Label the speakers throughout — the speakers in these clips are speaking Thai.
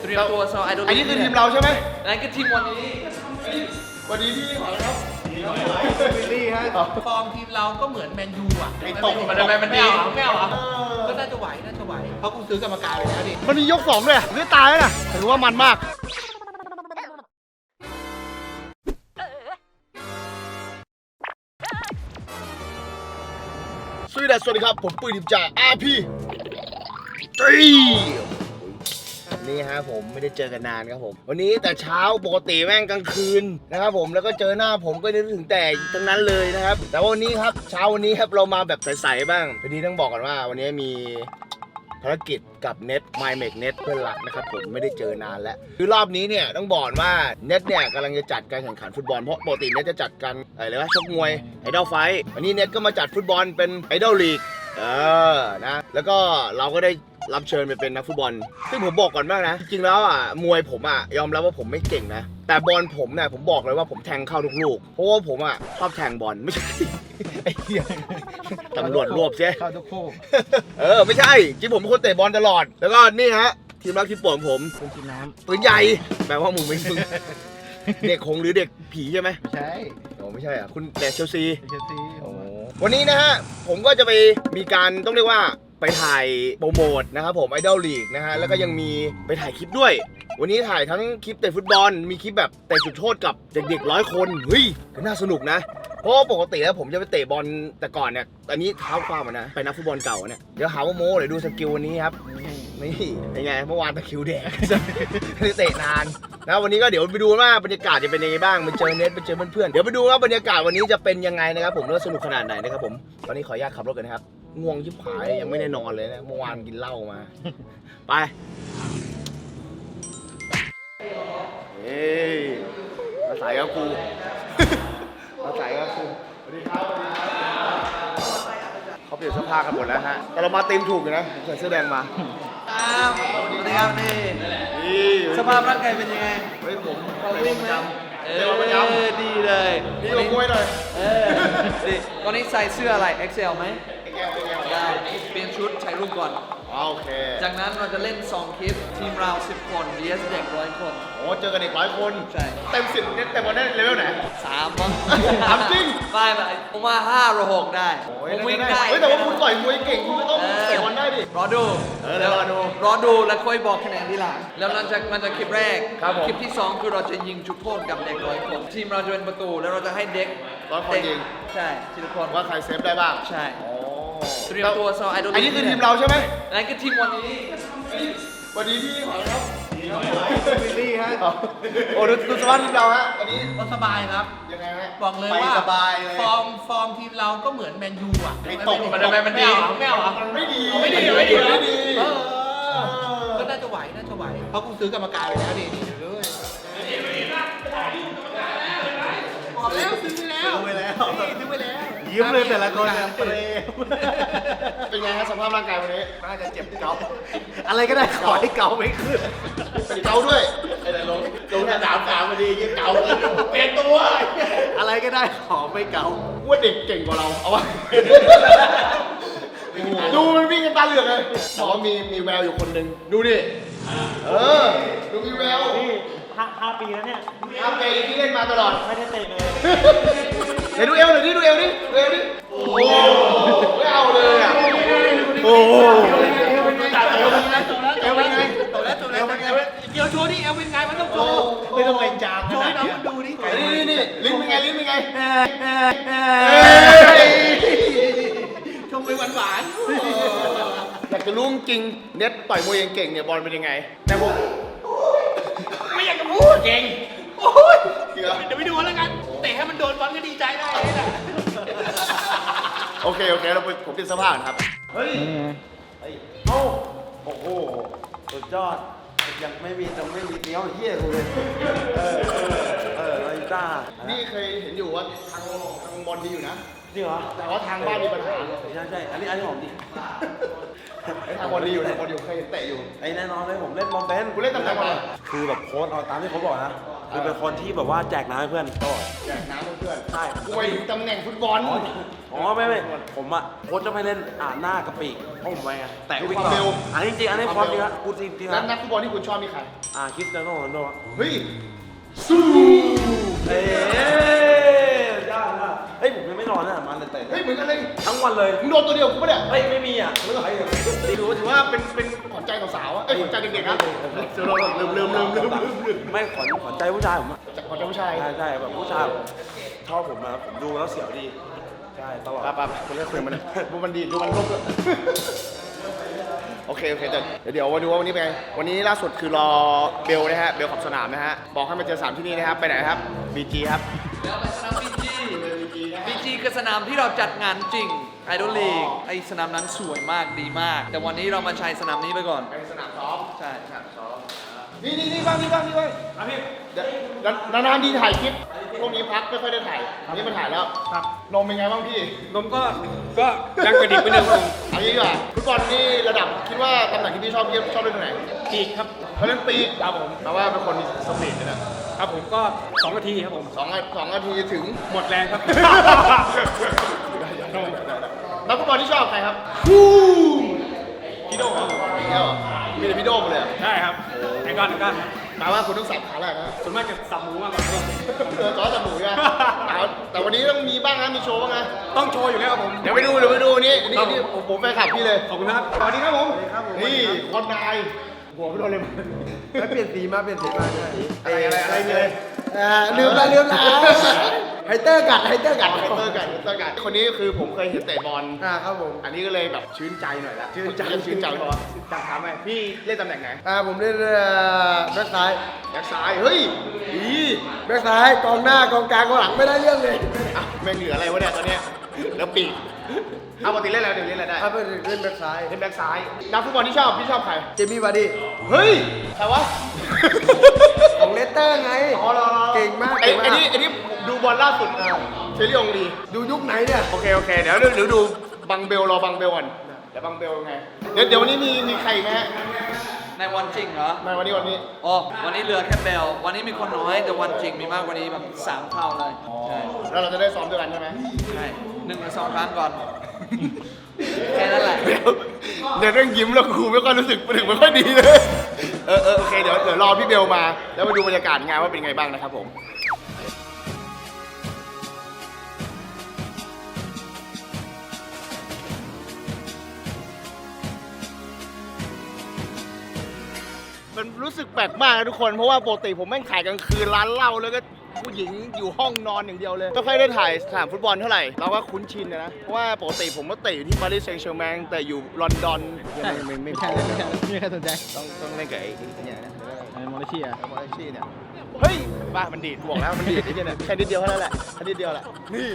Speaker 1: เตรียมตัวสำหรับไอดอล
Speaker 2: อันนี้คือทีมเราใช่ไหม
Speaker 1: นั่นคือทีมวันนี้
Speaker 2: วันนี้พี่ขอครับวิลลี่ฮะ
Speaker 1: ฟอร์มทีมเราก็เหมือนแมนยูอ่ะ
Speaker 2: ไม่ตก
Speaker 1: มันดีไม่เอาก็น่าจะไหวเพราะกูซื้อกรรมการไปแล้วดิ
Speaker 2: มันมียก2ด้วยไม่ตายแล้วนะถือว่ามันมากสวัสดีครับผมปืนดิบจาก RP นี่ฮะผมไม่ได้เจอกันนานครับผมวันนี้แต่เช้าปกติแม่งกลางคืนนะครับผมแล้วก็เจอหน้าผมก็นึกถึงแต่ทั้งนั้นเลยนะครับแต่วันนี้ครับเช้าวันนี้ครับเรามาแบบใสๆบ้างพอดีต้องบอกก่อนว่าวันนี้มีภารกิจกับเน็ต MyMake เน็ตเพื่อนรักนะครับผมไม่ได้เจอนานแล้วคือรอบนี้เนี่ยต้องบอกว่าเน็ตเนี่ยกำลังจะจัดการแข่งขันฟุตบอลเพราะปกติเน็ตจะจัดกันอะไรวะชกมวยไอดอลไฟท์วันนี้เน็ตก็มาจัดฟุตบอลเป็นไอดอลลีกนะแล้วก็เราก็ได้รับเชิญไปเป็นนักฟุตบอลซึ่งผมบอกก่อนมากนะจริงๆแล้วมวยผมยอมรับว่าผมไม่เก่งนะแต่บอลผมเนี่ยผมบอกเลยว่าผมแทงเข้าทุกลูกเพราะว่าผมชอบแทงบอลไม่ใช่ไอ้เหี้ยตำรวจรวบเสียเข้าทุกคู่ไม่ใช่จริงผมเป็นคนเตะบอลตลอดแล้วก็นี่ฮะทีมรักทีมโปรดผมปืนน้ำปืนใหญ่แปลว่ามึงเด็กคงหรือเด็กผีใช่ไหมไม่ใช่ไม่ใช่คุณแต่เชลซีวันนี้นะฮะผมก็จะไปมีการต้องเรียกว่าไปถ่ายโปรโมทนะครับผมไอดอลลีกนะฮะแล้วก็ยังมีไปถ่ายคลิปด้วยวันนี้ถ่ายทั้งคลิปเตะฟุตบอลมีคลิปแบบเตะจุดโทษกับเด็กๆ100 คนเฮ้ยน่าสนุกนะเพราะปกติแล้วผมจะไปเตะบอลแต่ก่อนเนี่ยอันนี้เท้าความนะไปนักฟุตบอลเก่าเนี่ยเดี๋ยวหาว่าโม้เดี๋ยวดูสกิลวันนี้ครับนี่เป็นไงเมื่อวานตะคิวแดกเตะนานนะวันนี้ก็เดี๋ยวไปดูว่าบรรยากาศจะเป็นยังไงบ้างไปเจอเน็ตไปเจอเพื่อนๆเดี๋ยวไปดูว่าบรรยากาศวันนี้จะเป็นยังไงนะครับผมแล้วสนุกขนาดไหนนะครับผมตอนนี้ขออนุญาตขับรถกันนะครับง่วงชิบหายยังไม่ได้นอนเลยนะเมื่อวานกินเหล้ามาไปเฮ้ยมาใส่กับกูมาใส่กับกูสวัสดีครับเขาเปลี่ยนเสื้อผ้ากันหมดแล้วฮะแต่เรามาตีมถูกอยู่นะใส่เสื้อแดงมา
Speaker 1: สวัสดีครับนี่สภาพร่างกายเป็นยังไง
Speaker 2: เฮ้ยผม
Speaker 1: วิ่งไหมดีเลย
Speaker 2: นี่ลงมวยหน่อย
Speaker 1: ดิตอนนี้ใส่เสื้ออะไร XL ไหมได้เปลี่ยนชุดใช้รูปก่อน
Speaker 2: โอเค
Speaker 1: จากนั้นเราจะเล่น2คลิปทีมเรา10 คน vs เด็ก100 คน
Speaker 2: โอ้เจอกันเด็ก100 คน
Speaker 1: ใช่
Speaker 2: เต็ม10เนี่ยแต่บอลได้เลเวลไหน
Speaker 1: 3 มั้ง
Speaker 2: 3จริง
Speaker 1: ไม่ผมว่า5 หรือ 6ได้ผมวิ่งได้
Speaker 2: เฮ้ยแต่ว่าคุณต่อยมวยเก่งคุณก็ต้องเตะบอลได้ดิ
Speaker 1: รอดูแล้วค่อยบอกคะแนนทีหลังแล้วมันจะคลิปแรกคลิปที่2คือเราจะยิงจุดโทษกับเด็ก100 คนทีมเราจะเป็นประตูแล้วเราจะให้เด็ก
Speaker 2: 100 คนยิง
Speaker 1: ใช่ทีละคน
Speaker 2: ว่าใครเซฟได้บ้าง
Speaker 1: ใช่เตรียมตัวสำหรับไอดอล
Speaker 2: อันนี้คือทีมเราใช่ไหม
Speaker 1: นั่นคือทีมวันนี้
Speaker 2: วันนี้พี่ขอครับวิลลี่ฮะโอ้ดูสภาพทีมเราฮะวันนี้
Speaker 1: ก็สบายครับ
Speaker 2: ยังไงฮะ
Speaker 1: บอกเลยว่า
Speaker 2: สบายเลย
Speaker 1: ฟอร์มทีมเราก็เหมือนแมนยูอ่ะ
Speaker 2: ไม่ตก
Speaker 1: มันดีไม่ดีก็น่าจะไหวเพราะกูซื้อกรรมการไปแล้วดิบอกแล้วซื้อไปแล้ว
Speaker 2: ยิ้มเลยแต่ละคนเป็นไงฮะสภาพร่างกายวันนี้น่าจะเจ็บเกา
Speaker 3: อะไรก็ได้ขอให้เกาไม่ขึ้น
Speaker 2: เป็นเกาด้วยไอ้แต่ลงสนามพอดียิ่งเกาเปลี่ยนตัว
Speaker 3: อะไรก็ได้ขอไม่เกา
Speaker 2: ว่าเด็กเก่งกว่าเราเอาวะดูมันวิ่งกันตาเหลือกเลยบอกว่ามีแววอยู่คนหนึ่งดูดิดูมีแวว
Speaker 3: นี่5 ปีแล้วเนี่ย
Speaker 2: 5 ปีที่เล่นมาตลอด
Speaker 3: ไม่ได้เตะเลย
Speaker 2: เดี๋ยวดูเอวหน่อยดิดูเอวดิโอ้ไม่เอาเลยอ่ะโอ้
Speaker 1: เอวเป็นไงตกแล้วเดี๋ยวโชว์ดิเอวเป็นไงมันต้องโชว์
Speaker 3: ไม่ต้องไปจาม
Speaker 1: โชว์ให้น้องมันดูดิ
Speaker 2: นี่ลิ้นเป็นไง
Speaker 1: ชมไปหวาน
Speaker 2: อยากจะรู้จริงเน็ตต่อยมวยเก่งเนี่ยบอลเป็นยังไงแต่ผม
Speaker 1: ไม่อยากจะพูดเก่งโอ้ยเดี๋ยวไปดูแล้วกันเตะให้มันโดนบอลก็ดีใจได้เลยนะ
Speaker 2: โอเคเราผมเป็นสภาพครับ
Speaker 3: เฮ้ยโอ้โหสุดยอดยังไม่มีเนี้ยเฮี้ยกูเลยลาลิต้า
Speaker 2: นี่เคยเห็นอยู่ว่าทางบอลดีอยู่นะ
Speaker 3: จริงเหรอ
Speaker 2: แต่ว่าทางบ้านมีปัญหา
Speaker 3: ใช่อันนี้ผมดิ
Speaker 2: ทำบอลดีอยู่ทำบอลอยู่เคยเห็นเตะอยู่
Speaker 3: ไอ้แน่นอนเลยผมเล่นบอลเป็น
Speaker 2: คุณเล่นตำแหน่งอะไร
Speaker 3: คือแบบโค้ชเอาตามที่เขาบอกนะคือเป็นคนที่แบบว่าแจกน้ำให้เพื่อนตลอด
Speaker 2: แจกน้ำเพื่อน
Speaker 3: ใช่
Speaker 2: กูไปถึงตำแหน่งฟุตบอล
Speaker 3: อ๋อไม่ผมอะโค้ชจะไม่เล่นหน้ากระปีกเพราะผมไปไงแต่วิ่ง
Speaker 2: ความเร็ว
Speaker 3: อันนี้จริงอันนี้ความจริงนะกูจริงๆ
Speaker 2: แล้ว
Speaker 3: นะ
Speaker 2: นักฟุตบอลที่คุณชอบมีใคร
Speaker 3: คริสเตียโนโรนัลโด
Speaker 2: เฮ้ยสู้
Speaker 3: เอ้ยากมากเฮ้ยผมยังไม่นอนนะมันเตะ
Speaker 2: เฮ้ยเหมือนกันเลย
Speaker 3: ทั้งวันเลย
Speaker 2: มึงโดนตัวเดียวกูปะเนี่ย
Speaker 3: เฮ้ยไม่มีอ่ะ
Speaker 2: ถือว่าเป็นขวัญใจสาวๆอะเอ้ยขวัญใจเด็กๆนะเราลืม
Speaker 3: ไม่ขวัญใจผู้ชายผมอะ
Speaker 2: จากขวัญใจผู้ชาย
Speaker 3: ใช่แบบผู้ชายชอบผมนะผมดูแล้วเสียวดีใช่ตลอด
Speaker 2: ปั๊บคุณเล่นคุยมันดูมันดีดูมันลบเลยโอเคแต่เดี๋ยวมาดูว่าวันนี้เป็นไงวันนี้ล่าสุดคือรอเบลนะฮะเบลขับสนามนะฮะบอกให้มาเจอ3ที่นี่นะครับไปไหนครับ BG ครับ
Speaker 1: แล้วไปสนามบีจีคือสนามที่เราจัดงานจริงไอดอลลีกไอสนามนั้นสวยมากดีมาก แต่วันนี้เรามาใช้สนามนี้ไปก่อน
Speaker 2: เป็นสนามซ้อม
Speaker 1: ใช่สนามซ้อม
Speaker 2: นี่บ้างพี่นานๆดีถ่ายคลิปพวกนี้พักไม่ค่อยได้ถ่ายอันนี้มาถ่ายแล้วครับนมเป็นไงบ้างพี่
Speaker 4: นมก็ยังกระดิกไปหนึ่งครับผม
Speaker 2: เอางี้ดีกว่าฟุตบอลนี่ระดับคิดว่าตำแหน่งที่พี่ชอบเล่นตรงไหน
Speaker 4: ปีกครับ
Speaker 2: เขาเล่นปีกครับผมแปลว่าเป็นคนมีสปีดเลยนะครับ
Speaker 4: ผมก็2นาทีครับผม
Speaker 2: สองนาทีถึง
Speaker 4: หมดแรงครับ
Speaker 2: นักฟุตบอลที่ชอบใครครับ
Speaker 4: พี่โดครับ
Speaker 2: พี่โด่มีแต่พี่โด่มาเลย
Speaker 4: ใช่ครับไอ้ก้อน
Speaker 2: แปลว่าคุณต้องสับขาแรกนะ
Speaker 4: ส่วนมากจะสับหมูมากกว่าครับ
Speaker 2: จอสับหมูใช่ไหมแต่วันนี้ต้องมีบ้างนะมีโชว์บ้างนะ
Speaker 4: ต้องโชว์อยู่แล้วครับผม
Speaker 2: เดี๋ยวไปดูนี่ผมแฟนคลับพี่เลย
Speaker 4: ขอบคุณครับ
Speaker 2: สวัสดีครับผมนี่คนนายหัวไม่โดนเลย
Speaker 3: ไม่เปลี่ยนสีมาใช่
Speaker 2: อะไรเลย
Speaker 3: ลืมละไฮเตอร์กัด
Speaker 2: คนนี้คือผมเคยเห็นเตะบอล
Speaker 3: ครับผม
Speaker 2: อันนี้ก็เลยแบบชื่นใจหน่อยละชื่นใจพอจังถามไหมพี่เล่นตำแหน่งไหน
Speaker 3: ผมเล่นแบ็คซ้าย
Speaker 2: แบ็คซ้ายเฮ้ยดี
Speaker 3: แบ็คซ้ายกองหน้ากองกลางกองหลังไม่ได้เรื่องเลย
Speaker 2: อ่ะแม่งเหลืออะไรวะเนี่ยตอนเนี้ยแล้วปีกเอาปกติเล่นแล้วเดี๋ยวเล่นอะไรได้
Speaker 3: ถ้าเป็นเล่นแบ็คซ้าย
Speaker 2: เล่นแบ็คซ้ายนักฟุตบอลที่ชอบพี่ชอบใคร
Speaker 3: เจมี่วาร์ดี้
Speaker 2: เฮ้ยใครวะ
Speaker 3: ของเลสเตอร์ไง
Speaker 2: อ๋อเหรอ
Speaker 3: เก่งมาก
Speaker 2: ไอ้นี่ดูบอลล่าสุดเชลลี่องลี
Speaker 3: ดูยุคไหนเนี่ย
Speaker 2: โอเคเดี๋ยวดูบังเบลรอบังเบลก่อนเดี๋ยวบังเบลไงเดี๋ยววันนี้มีใครอีกไหมฮะ
Speaker 1: ในวันจริงเหรอ
Speaker 2: ไม่วันนี้
Speaker 1: อ๋อวันนี้เหลือแค่เบลวันนี้มีคนน้อยแต่วันจริงมีมากกว่านี้แบบ3 เท่าเลยใช่
Speaker 2: แล้วเราจะได้ซ้อมด้วยกันใช่ไหม
Speaker 1: ใช่1 หรือ 2 ครั้งก่อน แค่นั้นแหละ
Speaker 2: เดี๋ยวเรื่องยิ้มแล้วครูไม่ค่อยรู้สึกไม่ค่อยดีเลยโอเคเดี๋ยวรอพี่เบลมาแล้วมาดูบรรยากาศงานว่าเป็นไงบ้างนะครับผมมันรู้สึกแปลกมากนะทุกคนเพราะว่าปกติผมแม่งถ่ายกลางคืนร้านเหล้าแล้วก็ผู้หญิงอยู่ห้องนอนอย่างเดียวเลยไม่ค่อยได้ถ่ายสนามฟุตบอลเท่าไหร่เราก็คุ้นชินนะเพราะว่าปกติผมก็เตะอยู่ที่ปารีสแซงต์แชร์แมงแต่อยู่ลอนดอนไม่ใช่เลย
Speaker 4: ไม่ใครสนใจ
Speaker 2: ต้องเล่นกับไอ้เนี่ยนะ
Speaker 4: มอลเชีย
Speaker 2: มอลชี่เนี่ยเฮ้ยบ้ามันดีดบอกแล้วมันดีดไอ้เนี่ยแค่นิดเดียวเท่านั้นแหละแค่นิดเดียวแหละนี่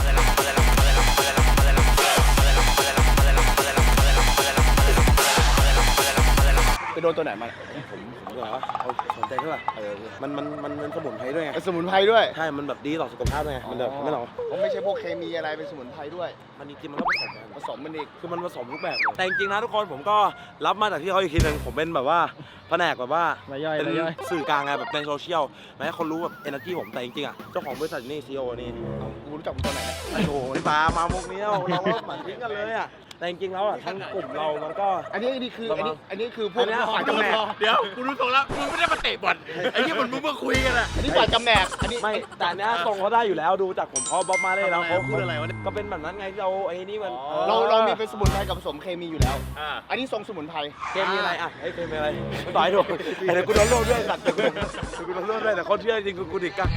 Speaker 2: ไปโดนตัวไหนมา
Speaker 3: ผมเหรอเอาสนใจเท่าไหร่มันเป็นสมุนไพรด้วยไง
Speaker 2: เป็นสมุนไพรด้วย
Speaker 3: ใช่มันแบบดีต่อสุขภาพด้วยไงมันแบบไม่หรอ
Speaker 2: ผมไม่ใช่พวกเคมีอะไรเป็นสมุนไพรด้วย
Speaker 3: มันจริงๆมันก็ผสมกัน
Speaker 2: ผสมมันอีก
Speaker 3: คือมันผสมทุกแบบเลยแต่จริงๆนะทุกคนผมก็รับมาจากที่เขาอีกทีนึงผมเป็นแบบว่าแผนกแบบว่าเป็นสื่อกลางไงแบบในโซเชียลไม่ให้คนรู้แบบเอเนอร์จีผมแต่จริงๆอ่ะเจ้าของบริษัทนี่ซีโอนี่
Speaker 2: กูรู้จักมึงตอนไหนนะ
Speaker 3: โอ้โหนี่ปลามามุกนี้เราก็หมั่นทิ้งกันเลยอ่ะแต่จริงๆแล้วอ่ะทั้งกลุ่มเรามันก็
Speaker 2: อันนี้คือพวกฝ่ายจำแนก
Speaker 4: เดี๋ยวกูรู้ตัวแล้วมึงไม่ได้มาเตะบอลไอ้ที่มึงมาคุยกันอะ
Speaker 2: อันนี้ฝ่ายจำแนกอันนี้
Speaker 3: ไม่แต่เนี้ยทรงเขาได้อยู่แล้วดูจากผมเขาบ๊อบมาเลยแล้วเขาพูดอะไรวะก็เป็นแบบนั้นไงที่เราไอ้นี่มัน
Speaker 2: เรามีเป็นสมุนไพรกับผสมเคมีอยู่แล้วอันนี้ทรงสมุนไพร
Speaker 3: เกมมีอะไรอ่ะไอ้เกมมีอะไรต่อยถูกไอ้เดี๋ยวกูโดนโลดด้วยสัตว์เดี๋ยวกูโดนโลดด้วยแต่เขาเชื่อจริงกูดิกอะ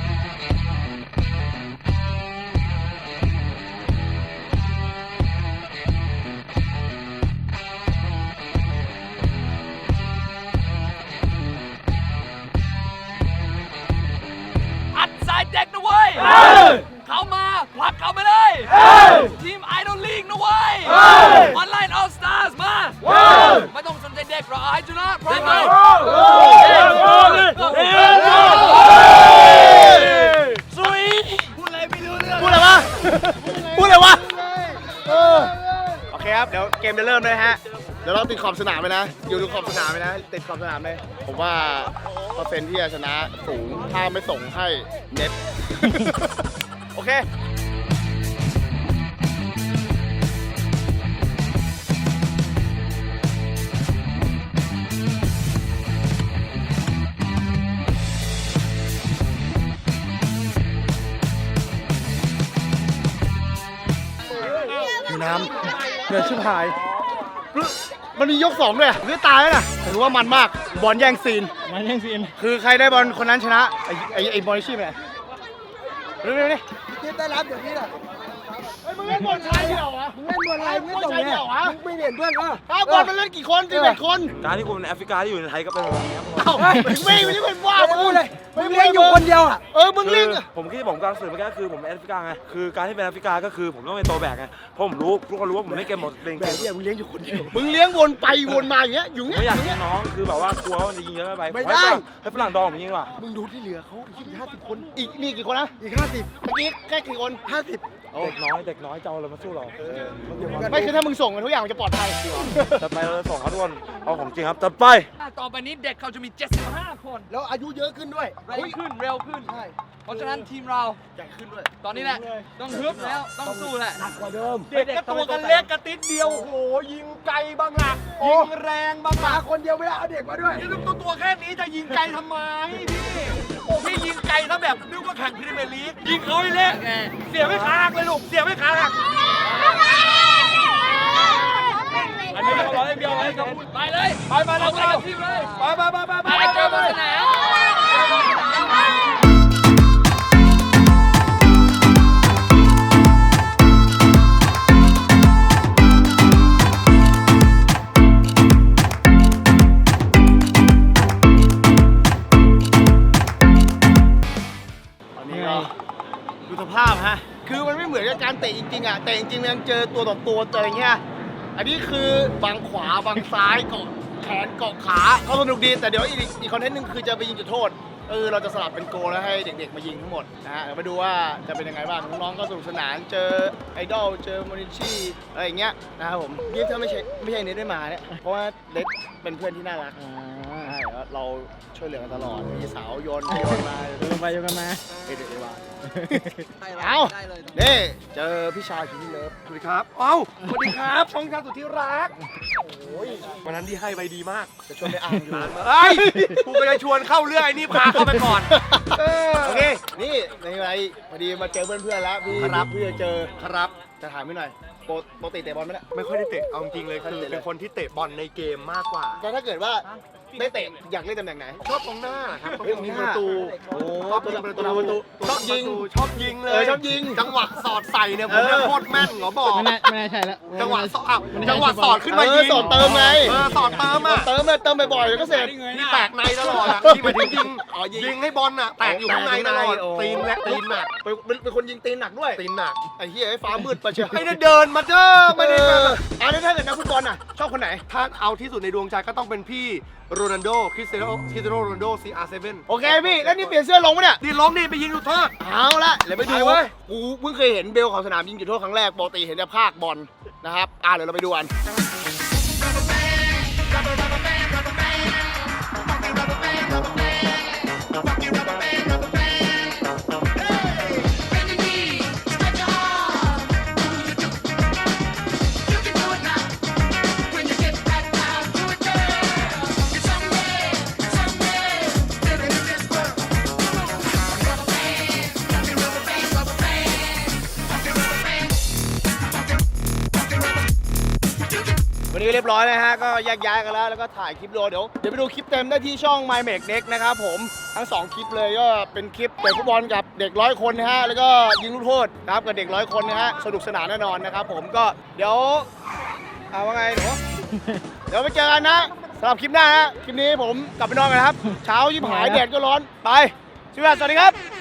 Speaker 1: อัดสายเด็กนะเว้ยเข้ามาผลักเข้าไปเลย ทีมไอดอลลีกนะเว้ยออนไลน์ออลสตาร์สมาไม่ต้องสนใจเด็กหรอกไอ้จุนะพร้อมไหมสุยพูดอะไรไม่รู้เรื่อง
Speaker 2: พูดอะไรวะโอเคครับเดี๋ยวเกมจะเริ่มเลยฮะเดี๋ยวเราเราติดขอบสนามไปนะ อยู่ดูขอบสนามไปนะ ติดขอบสนามเลย ผมว่าเปอร์เซ็นต์ที่จะชนะสูง ถ้าไม่ส่งให้เน็ต โอเค น้ำเดือดชิบหาย มันมียกสองด้วยอะไม่ตายแล้วนะถือว่ามันมาก บอลแย่งซีน คือใครได้บอลคนนั้นชนะ ไอ้บอลชีพเนี่ยเร็วๆนี่ที่ได้รับอย่างนี้แหละเฮ้ยมึงเล่นบอลชายเดี่ยวเหรอมึงเล่นบอลอะไรมึงเล่นบอลชายเดี่ยวเหรอมึงไม่เห็นเพื่อนเหรอบอลมันเล่นกี่คน11 คน
Speaker 3: การที่คุณเป็นแอฟริกาที่อยู่ในไทยก็เป็นแบบนี้ครับ
Speaker 2: เอ้าไม่ได้เป็นว่ามึงเลย
Speaker 5: มึงเลี้ยงอยู่คนเดียวอ่ะ
Speaker 2: มึงเล่น
Speaker 3: ผมคิดผมกำลังสื่อเมื่อกี้คือผมเป็นแอฟริกาไงคือการที่เป็นแอฟริกาก็คือผมต้องเป็นตัวแบกไงเพราะผมรู้ทุกคนรู้ว่าผมไม่เกมหมดเล่น
Speaker 2: แบบนี้มึงเลี้ยงอยู่คนเดียวมึงเลี้ยงวนไปวนมาอย่างเงี้ยอยู่เงี้ย
Speaker 3: ไม่อยากยิงน้องคือแบบว่ากลัวว่ามันจะยิงเยอะไป
Speaker 2: ไม่ได้
Speaker 3: ให้ฝรั่งดองผมยิงดีกว่า
Speaker 2: มึงดูที่เหลือเขาอีก50 คน อีกนี่กี่คนนะ
Speaker 5: อีก50
Speaker 2: เมื่อกี้แค่กี่คน 50
Speaker 3: เด็กน้อยจะเอาอะไรมาสู้เรา
Speaker 2: ไม่คือถ้ามึงส่งทุกอย่างมันจะปลอดภัย
Speaker 3: จัดไปเราจะส่งเขาทุกคนเอาของจริงครับจัดไป
Speaker 1: ต่อไปนี้เด็กเขาจะมี 75 คน
Speaker 2: แล้วอายุเยอะขึ้นด้วย
Speaker 1: เร็วขึ้นเร็วขึ้น เพราะฉะนั้นทีมเรา
Speaker 2: ใหญ่ขึ้นด้วย
Speaker 1: ตอนนี้แหละ ต้องฮึบแล้ว ต้องสู้แหละ
Speaker 5: เด็กก็ตัวกันเล็กกระติดเดียว โอ้โห ยิงไกลบางหลักยิงแรงบางหลักคนเดียวไม่ได้เอาเด็กมาด้วย
Speaker 4: นี่ตัวแค่นี้จะยิงไกลทำไมพี่โอ้พี่ยิงไกลซะแบบนึกว่าแข่งพรีเมียร์ลีกยิงเขาให้เละเสียไม่ขาหักเลยลูกเสียไม่ขาหัก
Speaker 1: อันนี้เราเล่นเดียวเลยไปเลย
Speaker 4: ไปเรา
Speaker 1: ไปกับทีมเลย
Speaker 4: ไป
Speaker 1: ไปเจอบนสนาม
Speaker 2: ตอนนี้ก็ดูสภาพฮะ คือมันไม่เหมือนกับการเตะจริงๆอ่ะเตะจริงๆมันยังเจอตัวต่อตัวเจออย่างเงี้ย อันนี้คือบังขวาบังซ้ายเกาะแขนเกาะขาก็สนุกดี แต่เดี๋ยวอีกคอนเทนต์หนึงคือจะไปยิงจุดโทษ เราจะสลับเป็นโกลแล้วให้เด็กๆมายิงทั้งหมดนะฮะเดี๋ยวมาดูว่าจะเป็นยังไงบ้างน้องๆก็สนุกสนานเจอไอดอลเจอโมนิชี่อะไรอย่างเงี้ยนะครับผมนี่ถ้าไม่ใช่เน็ตได้มาเนี่ยเพราะว่าเน็ตเป็นเพื่อนที่น่ารักใช่แล้วเราช่วยเหลือกันตลอดมีสาวโยนไปโยนมาโยนไปโยนมาเด็กๆว่าเอานี่เจอพี่ชายคิมมี่เลิฟ
Speaker 4: สวัสดีครับเอ้าสวัสดีครับช่องชาสุดที่รักวันนั้นที่ให้ไปดีมาก
Speaker 2: จะชวนไปอ่านอยู่
Speaker 4: เฮ้ยกูก็เลยชวนเข้าเรื่องไอ้นี่พาเข้าไปก่อน
Speaker 2: โอเค นี่ในไรพอดีมาเจอเพื่อนๆแล้วพี่
Speaker 4: ครับ
Speaker 2: พี่จะเจอ
Speaker 4: ครับ
Speaker 2: จะถามพี่หน่อยปกติเตะบอลไหมเนี่ย
Speaker 4: ไม่ค่อยได้เตะเอาจริงๆเลยคือเป็นคนที่เตะบอลในเกมมากกว่า
Speaker 2: แต่ถ้าเกิดว่าได้เตะอยากเล่นตำแหน่งไหน
Speaker 4: ชอบกองหน้าครับต้อง
Speaker 2: เฮ้ย
Speaker 4: ยิงประตู
Speaker 2: โอ้
Speaker 4: ชอบยิงประตู
Speaker 2: ชอบยิง
Speaker 4: ชอบยิงเลย
Speaker 2: ชอบยิง
Speaker 4: จังหวะสอดใส่เนี่ยผมเนี่ยโคตรแม่นเหรอบอก
Speaker 5: ไม่น่าใช่แล้ว
Speaker 4: จังหวะสอดอ้าวจังหวะสอดขึ้นมายิง
Speaker 2: สอดเติมไง
Speaker 4: สอดเติมอ่ะ
Speaker 2: เติมเลยเติมบ่อยๆเดี๋ยวก็เสร็จ
Speaker 4: นี่แตกในตลอดอ่ะที่หมายถึงยิงยิงให้บอลอ่ะแตกอยู่ข้างในตลอดตีนและตีนหนัก
Speaker 2: เป็นคนยิงตีนหนักด้วย
Speaker 4: ตีนหนัก
Speaker 2: ไอ้เหี้ยไอ้ฟ้ามืดไปเชียว
Speaker 4: ไม่ได้เดินมาเด้อไม่ได้แบบ
Speaker 2: แล้วถ้าเกิดนักฟุตบอลน่ะชอบคนไหน
Speaker 4: ถ้าเอาที่สุดในดวงใจก็ต้องเป็นพี่โรนัลโดคริสเตียโนโรนัลโด CR7
Speaker 2: โอเคพี่แล้วนี่เปลี่ยนเสื้อลงปะเนี่ย
Speaker 4: นี่ล้มนี่ไปยิงลูกโทษ
Speaker 2: เอาละเดี๋ยวไปดู
Speaker 4: ไปเว้ย
Speaker 2: กูเพิ่งเคยเห็นเบลของสนามยิงจุดโทษครั้งแรกปกติเห็นแต่ภาคบอลนะครับเดี๋ยวเราไปดูกัน วันนี้เรียบร้อยนะฮะก็แยกย้ายกันแล้วก็ถ่ายคลิปโลเดี๋ยวไปดูคลิปเต็มได้ที่ช่อง My Make Next นะครับผมทั้ง2คลิปเลยก็เป็นคลิปเตะฟุตบอลกับเด็ก100 คนนะฮะแล้วก็ยิงลูกโทษครับกับเด็ก100 คนนะฮะสนุกสนานแน่นอนนะครับผมก็เดี๋ยวว่าไงหนูเดี๋ยวไปเจอกันนะสำหรับคลิปหน้าฮะคลิปนี้ผมกลับไปนอนกันครับเช้ายิบหายแดดก็ร้อนไปสวัสดีครับ